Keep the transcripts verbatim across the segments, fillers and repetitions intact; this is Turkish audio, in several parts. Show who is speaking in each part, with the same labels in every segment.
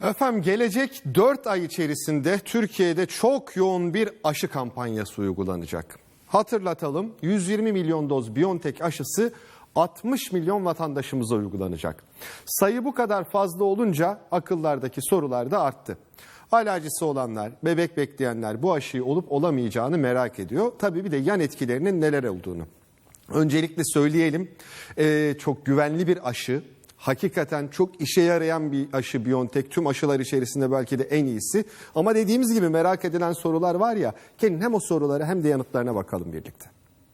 Speaker 1: Efendim gelecek dört ay içerisinde Türkiye'de çok yoğun bir aşı kampanyası uygulanacak. Hatırlatalım, yüz yirmi milyon doz BioNTech aşısı altmış milyon vatandaşımıza uygulanacak. Sayı bu kadar fazla olunca akıllardaki sorular da arttı. Alerjisi olanlar, bebek bekleyenler bu aşıyı olup olamayacağını merak ediyor. Tabii bir de yan etkilerinin neler olduğunu. Öncelikle söyleyelim, ee, çok güvenli bir aşı. Hakikaten çok işe yarayan bir aşı BioNTech. Tüm aşılar içerisinde belki de en iyisi. Ama dediğimiz gibi merak edilen sorular var ya. Gelin hem o sorulara hem de yanıtlarına bakalım birlikte.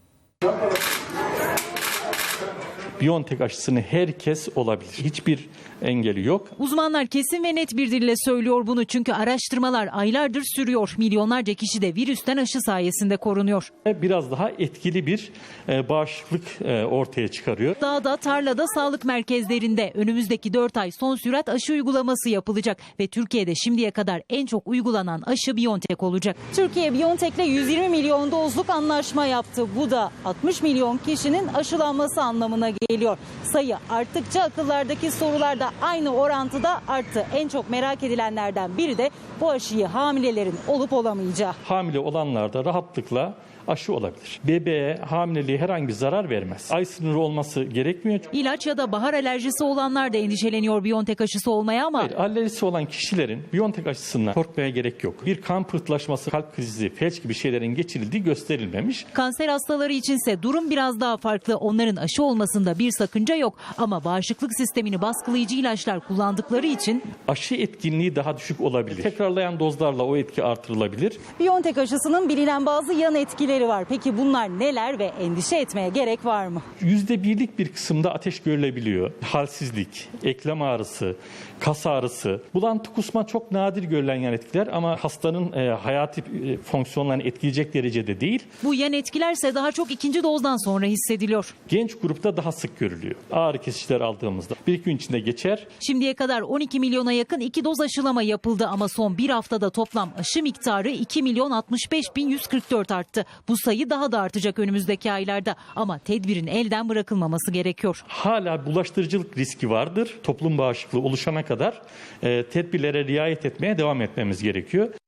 Speaker 2: BioNTech aşısını herkes olabilir. Hiçbir engeli yok.
Speaker 3: Uzmanlar kesin ve net bir dille söylüyor bunu. Çünkü araştırmalar aylardır sürüyor. Milyonlarca kişi de virüsten aşı sayesinde korunuyor.
Speaker 2: Biraz daha etkili bir bağışıklık ortaya çıkarıyor.
Speaker 3: Dağda, tarlada, sağlık merkezlerinde önümüzdeki dört ay son sürat aşı uygulaması yapılacak. Ve Türkiye'de şimdiye kadar en çok uygulanan aşı BioNTech olacak. Türkiye BioNTech'le yüz yirmi milyon dozluk anlaşma yaptı. Bu da altmış milyon kişinin aşılanması anlamına geliyor. Sayı arttıkça akıllardaki sorular da aynı orantıda arttı. En çok merak edilenlerden biri de bu aşıyı hamilelerin olup olamayacağı.
Speaker 2: Hamile olanlar da rahatlıkla aşı olabilir. Bebeğe, hamileliğe herhangi bir zarar vermez. Ay sınırı olması gerekmiyor.
Speaker 3: İlaç ya da bahar alerjisi olanlar da endişeleniyor BioNTech aşısı olmaya ama...
Speaker 2: Hayır, alerjisi olan kişilerin BioNTech aşısından korkmaya gerek yok. Bir kan pıhtılaşması, kalp krizi, felç gibi şeylerin geçirildiği gösterilmemiş.
Speaker 3: Kanser hastaları içinse durum biraz daha farklı. Onların aşı olmasında bir sakınca yok. Ama bağışıklık sistemini baskılayıcı ilaçlar kullandıkları için...
Speaker 2: Aşı etkinliği daha düşük olabilir. Tekrarlayan dozlarla o etki artırılabilir.
Speaker 3: BioNTech aşısının bilinen bazı yan etkileri var. Peki bunlar neler ve endişe etmeye gerek var mı?
Speaker 2: Yüzde birlik bir kısımda ateş görülebiliyor. Halsizlik, eklem ağrısı, kas ağrısı, bulantı, kusma çok nadir görülen yan etkiler ama hastanın e, hayati e, fonksiyonlarını etkileyecek derecede değil.
Speaker 3: Bu yan etkilerse daha çok ikinci dozdan sonra hissediliyor.
Speaker 2: Genç grupta daha sık görülüyor. Ağrı kesiciler aldığımızda bir iki gün içinde geçer.
Speaker 3: Şimdiye kadar on iki milyona yakın iki doz aşılama yapıldı ama son bir haftada toplam aşı miktarı iki milyon altmış beş bin yüz kırk dört arttı. Bu sayı daha da artacak önümüzdeki aylarda ama tedbirin elden bırakılmaması gerekiyor.
Speaker 2: Hala bulaştırıcılık riski vardır. Toplum bağışıklığı oluşana kadar e, tedbirlere riayet etmeye devam etmemiz gerekiyor.